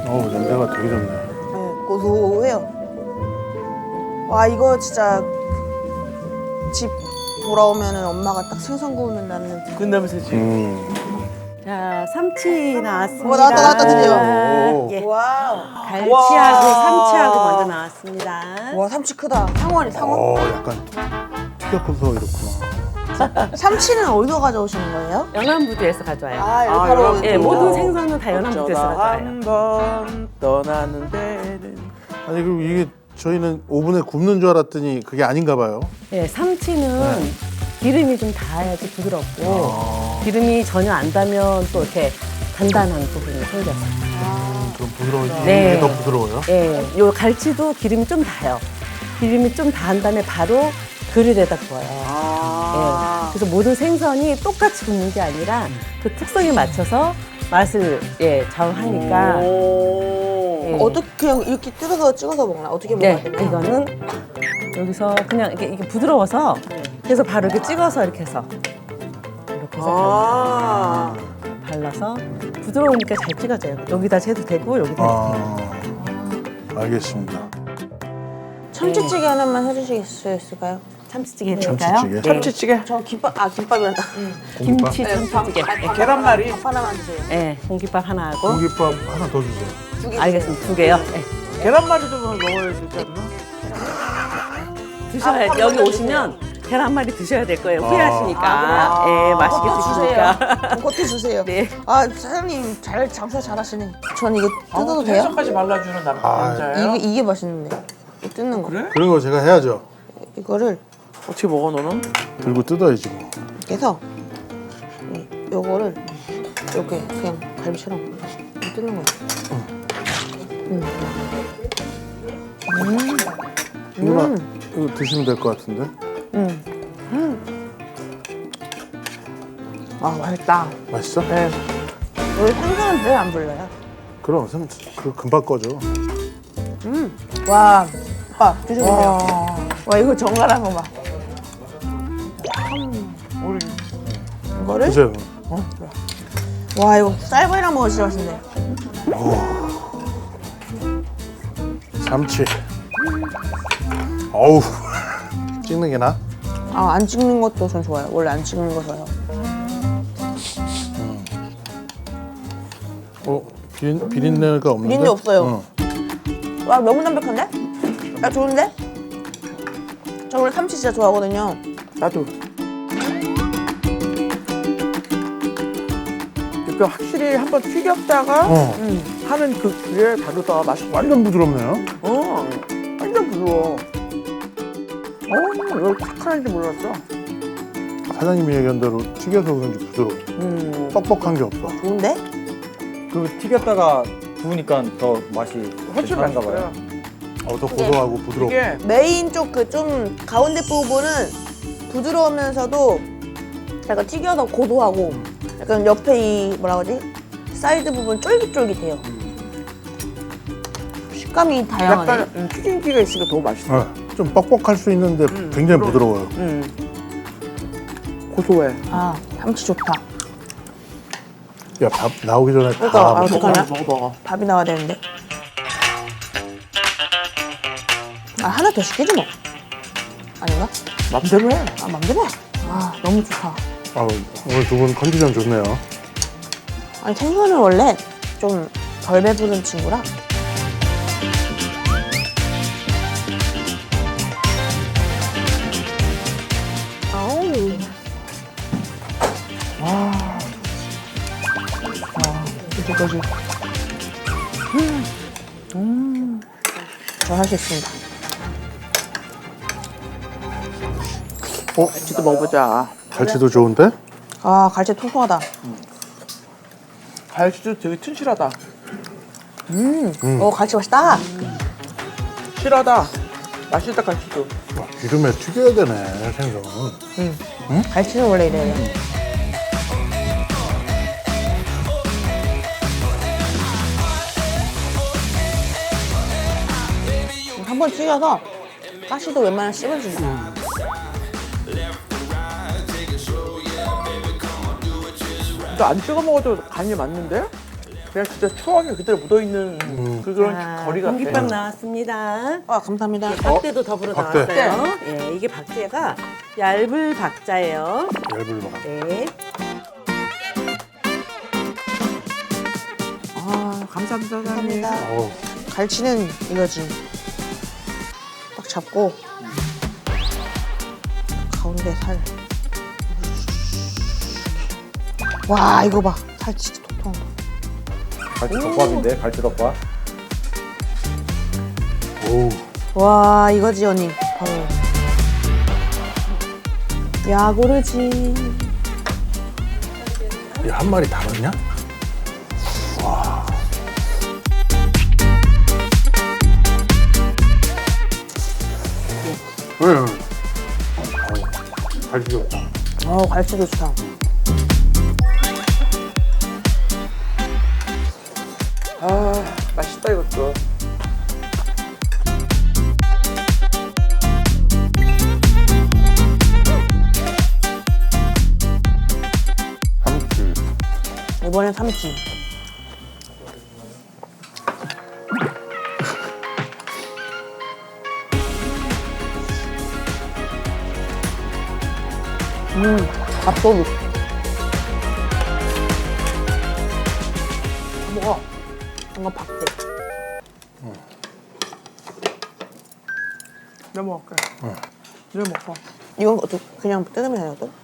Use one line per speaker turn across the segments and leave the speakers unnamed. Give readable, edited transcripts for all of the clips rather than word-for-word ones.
어우, 냄새가 되게 좋네.
네, 고소해요. 와, 이거 진짜 집 돌아오면은 엄마가 딱 생선 구우면 나는
그 냄새지.
자, 삼치 나왔습니다.
나왔다, 드디어.
오.
예.
와우.
갈치하고 삼치하고 먼저 나왔습니다.
와, 삼치 크다. 상원이 상원.
약간 튀겨서 이렇구나.
삼치는 어디서 가져오시는 거예요?
연안부두에서 가져와요.
아, 여기
아,
바로
여기.
예, 모든 생선은 다 연안부두에서
어쩌다
가져와요.
한번 떠나는 데는
아니, 그리고 이게 저희는 오븐에 굽는 줄 알았더니 그게 아닌가 봐요.
예, 삼치는 기름이 좀 닿아야지 부드럽고 기름이 전혀 안 닿으면 또 이렇게 단단한 부분이 생겨서.
좀 부드러워지고
네.
이게 더 부드러워요.
예, 요 갈치도 기름이 좀 닿아요. 기름이 좀 닿은 다음에 바로 그릴에다 구워요. 예, 그래서 모든 생선이 똑같이 굽는 게 아니라 그 특성에 맞춰서 맛을 좌우하니까. 예.
어떻게 그냥 이렇게 뜯어서 찍어서 먹나? 어떻게 먹어야
네,
되나요?
이거는 여기서 그냥 이게 부드러워서 그래서 바로 이렇게 찍어서 이렇게 해서 발라서 부드러우니까 잘 찍어져요. 여기다 해도 되고 여기다 해도 되고.
알겠습니다.
참치찌개 하나만 해주시겠어요?
참치찌개 해드릴까요?
참치찌개?
네.
참치찌개.
저 김밥이란다.
김치 참치찌개.
계란말이.
밥 하나만 주세요.
네, 공깃밥 하나 하고.
공깃밥 하나 더 주세요.
두 개.
알겠습니다. 2개요. 네.
계란말이도 먹어야 되지 않나?
드셔야 여기 오시면 계란말이 드셔야 될 거예요. 후회하시니까. 예, 맛있게
그것도
드시니까.
주세요. 그것도 주세요.
네.
아, 사장님 장사 잘하시네. 전 이거 뜯어도 돼요?
해서까지 발라주는 남자예요?
이게 맛있는데. 이거 뜯는 거.
그래?
그런 거 제가 해야죠.
이거를
어떻게 먹어 너는?
들고 뜯어야지 뭐.
이렇게 해서 요거를 이렇게 그냥 갈비처럼 뜯는 거예요.
누나 이거 드시면 될 것 같은데.
아, 맛있다.
맛있어?
네. 여기 생선은 왜 안 불러요?
그럼 그 금방 꺼져.
와, 오빠 드셔보세요. 와, 이거 정갈한 거 봐.
우리
이거를
드세요.
와, 이거 쌀밥이랑 먹으면 진짜 맛있네.
삼치. 어우. 찍는 게 나?
아, 안 찍는 것도 전 좋아요. 원래 안 찍는 거 좋아요.
비린내가 없는데?
비린내 없어요. 와, 너무 담백한데? 야, 좋은데? 저 원래 삼치 진짜 좋아하거든요.
나도. 이렇게 확실히 한번 튀겼다가 하는 그게 다르다. 맛이
완전 부드럽네요.
완전 부드러워. 왜 착한지 몰랐어.
사장님이 얘기한 대로 튀겨서 그런지 부드러워. 뻑뻑한 게 없어.
좋은데?
그 튀겼다가 구우니까 더 맛이
훨씬
괜찮은가
맛있어요.
봐요.
더 고소하고 부드럽고.
이게
메인 쪽 그 좀 가운데 부분은 부드러우면서도 약간 튀겨서 고소하고 약간 옆에 이 뭐라 그러지? 사이드 부분 쫄깃쫄깃해요. 식감이 다양하네.
약간 튀김기가 있으니까 더 맛있어.
좀 뻑뻑할 수 있는데 굉장히 부드러워요.
고소해.
아, 삼치 좋다.
야, 밥 나오기 전에
그러니까,
다
아,
먹어.
어떡하냐?
먹어.
밥이 나와야 되는데. 아, 하나 더 시키지 뭐. 아닌가?
맘대로 해.
아, 맘대로 해. 아, 너무 좋다.
아우, 오늘 두 분 컨디션 좋네요.
아니, 생선은 원래 좀 덜 배부른 친구라. 아우.
이제까지.
저 할 수 있습니다.
갈치도 먹어보자.
갈치도 좋은데?
아, 갈치 통통하다.
갈치도 되게 튼실하다.
갈치 맛있다.
실하다. 맛있다 갈치도.
와, 기름에 튀겨야 되네, 생선.
갈치는 원래 이래요. 한 번 튀겨서 가시도 웬만하면 씹어준다.
너 안 찍어 먹어도 간이 맞는데? 그냥 진짜 추억이 그대로 묻어있는 그런
자,
거리 같아.
공깃밥 나왔습니다.
아 감사합니다.
박대도 더불어
박대.
나왔어요. 예, 이게 박대가 얇을 박자예요.
얇을 봐.
네.
아, 감사합니다, 사장님.
감사합니다.
어우,
갈치는 이거지. 딱 잡고 가운데 살. 와 이거 봐. 살 진짜 통통.
갈치 덮밥인데 갈치 덮밥.
어우.
와 이거지 언니. 바로. 야고르지.
이 한 마리 다 넣냐? 와. 왜? 잘 익었다.
갈치도 좋다.
아, 맛있다, 이것도.
삼치.
이번엔 삼치. 밥도둑. 먹어. 이거 박대.
내가 먹을게. 내가 먹어.
이건 어떻게 그냥 뜯으면 되나 또?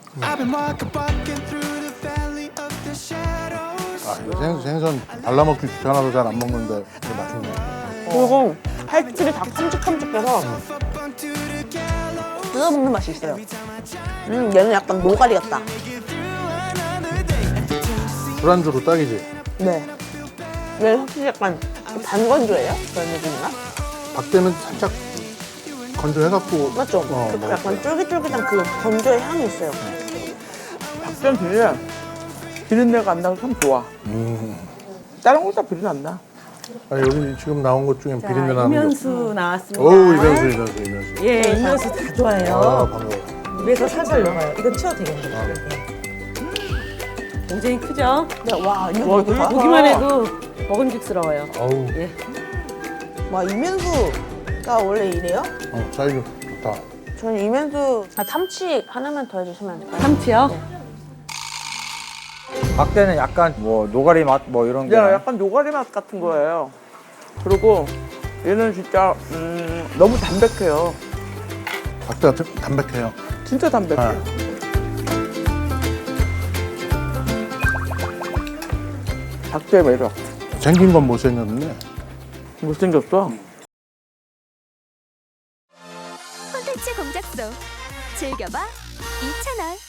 아, 이거 생선 발라먹기 귀찮아서 잘 안 먹는데 이거 맛있네.
그리고 팔집이 다 큼직큼직해서 뜯어먹는 맛이 있어요. 얘는 약간 노가리 같다.
술안주로 딱이지.
네. 얘는 확실히 약간 반건조예요? 그런 느낌인가?
박대는 살짝 건조해갖고.
맞죠? 그
먹었어요.
약간 쫄깃쫄깃한 그 건조의 향이 있어요.
박전 되게 비린내가 안 나서 참 좋아. 다른 거보다 비린 안 나.
아니, 여기 지금 나온 것 중엔
자,
비린내 나는 게.
이면수 나왔습니다.
어우, 이면수.
예, 이면수 다 좋아해요.
아, 반가워.
입에서 살살 녹아요. 이건 치워도 되겠네요. 굉장히 크죠?
네, 와, 이거
와,
되게
되게
보기만 해도 먹음직스러워요.
어우,
예.
와, 이면수가 원래 이래요?
사이즈 좋다.
저는 이면수 참치 하나만 더 해주시면 안 될까요?
참치요?
박대는 약간 뭐 노가리 맛 뭐 이런 게.
야, 약간 노가리 맛 같은 거예요. 그리고 얘는 진짜 너무 담백해요.
박대가 담백해요.
진짜 담백해.
아.
박대의 매력.
생긴 건 못생겼는데.
못생겼어?
콘텐츠 공작소 즐겨봐 이채널.